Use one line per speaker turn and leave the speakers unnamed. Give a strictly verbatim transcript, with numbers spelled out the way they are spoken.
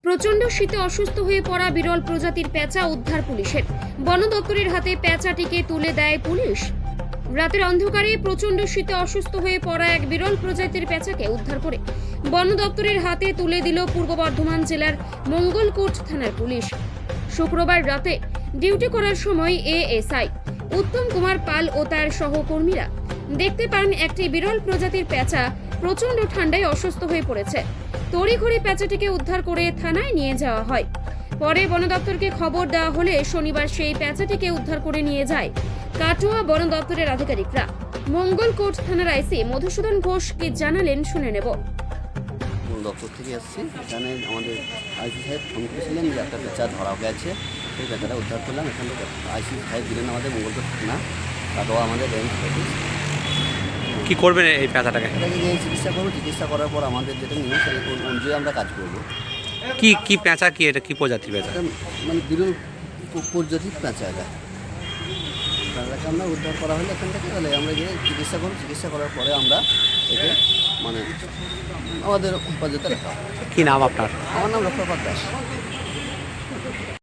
প্রচন্ড শীতে অসুস্থ হয়ে পড়া বিরল প্রজাতির পেঁচা উদ্ধার পুলিশের। বন দপ্তরের হাতে পেঁচাটিকে তুলে দেয় পুলিশ। রাতের অন্ধকারে প্রচন্ড শীতে অসুস্থ হয়ে পড়া এক বিরল প্রজাতির পেঁচাকে উদ্ধার করে বন দপ্তরের হাতে তুলে দিল পূর্ব বর্ধমান জেলার মঙ্গলকোট থানার পুলিশ। শুক্রবার রাতে ডিউটি করার সময় এএসআই উত্তম কুমার পাল ও তার সহকর্মীরা দেখতে পান একটি বিরল প্রজাতির পেঁচা প্রচন্ড ঠান্ডায় অসুস্থ হয়ে পড়েছে। তড়িঘড়ি পেঁচাটিকে উদ্ধার করে থানায় নিয়ে যাওয়া হয়। পরে বন দপ্তরকে খবর দেওয়া হলে শনিবার সেই পেঁচাটিকে উদ্ধার করে নিয়ে যায় কাটোয়া বন দপ্তরের আধিকারিকরা। মঙ্গলকোট থানার আইসি মধুসূদন ঘোষ কি জানালেন শুনে নেব।
বন দপ্তর থেকে এসেছি, এখানে আমাদের আইসি সাহেব ফোন করেছিলেন যে একটা পেঁচা ধরা গেছে, সেই পেঁচাটা উদ্ধার করলাম। এখান থেকে আইসি সাহেব দিলেন আমাদের মঙ্গলকোট থানা, কাটোয়া আমাদের রেঞ্জ অফিস।
কি করবেন এই পেঁচাটাকে?
এটাকে যে চিকিৎসা করবো, চিকিৎসা করার পর আমাদের যেটা নিয়ম সেই অনুযায়ী আমরা কাজ করবো।
কি কি পেঁচা, কি এটা কি প্রজাতির পেঁচা?
এটা মানে বিরল প- প্রজাতির পেঁচা এটা। পেঁচাটাকে আমরা উদ্ধার করা হলে এখান থেকে তাহলে আমরা গিয়ে চিকিৎসা করবো, চিকিৎসা করার পরে আমরা একে মানে আমাদের হেফাজতে রাখা হবে।
কি নাম আপনার?
আমার নাম লক্ষ্যপাত দাস।